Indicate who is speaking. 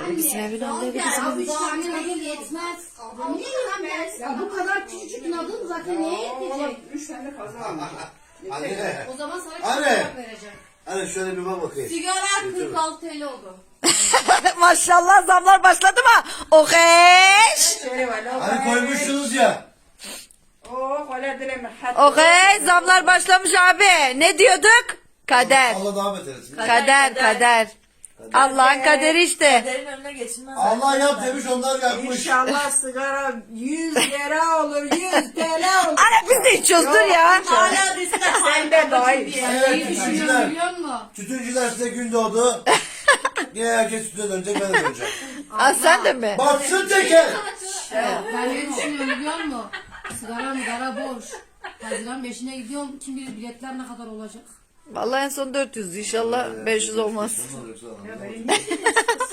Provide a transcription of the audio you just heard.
Speaker 1: Birisinin evine aldı, birisinin
Speaker 2: Ya
Speaker 1: evine.
Speaker 2: 3 tane nadıl yetmez. Ya bu kadar küçücük nadıl zaten neye yetecek?
Speaker 3: 3 tane fazla almış.
Speaker 4: Anne.
Speaker 2: O zaman sana
Speaker 4: Anne.
Speaker 2: çikolata vereceğim.
Speaker 4: Anne şöyle bir bak bakayım.
Speaker 2: Sigara 46 TL oldu.
Speaker 1: Maşallah zamlar başladı mı? Okeş.
Speaker 4: Hani koymuşsunuz ya.
Speaker 1: Okey zamlar başlamış abi. Ne diyorduk? Kader.
Speaker 4: Allah devam etsin.
Speaker 1: Kader. Allah'ın kaderi işte.
Speaker 5: Kaderin önüne geçilmez.
Speaker 4: Allah yap demiş onlar yapmış.
Speaker 3: İnşallah sigara 100 lira olur, 100 TL olur.
Speaker 1: Ana biz de içiyoruz dur ya.
Speaker 5: Hala risk
Speaker 3: Sen de dahil.
Speaker 4: Evet
Speaker 2: İyi düşünüyorum
Speaker 4: tütüncüler.
Speaker 2: biliyor musun?
Speaker 4: Tütüncüler size gün doğdu. Yine herkes tütüne dönecek, ben de döneceğim.
Speaker 1: Aa, sen de mi?
Speaker 4: Batsın teker.
Speaker 2: Ben ne düşünüyorum biliyor musun? Sigara boş. Haziran 5'ine gidiyorum. Kim bilir biletler ne kadar olacak?
Speaker 1: Vallahi en son 400 inşallah 500 olmaz.
Speaker 4: Onlar yoksa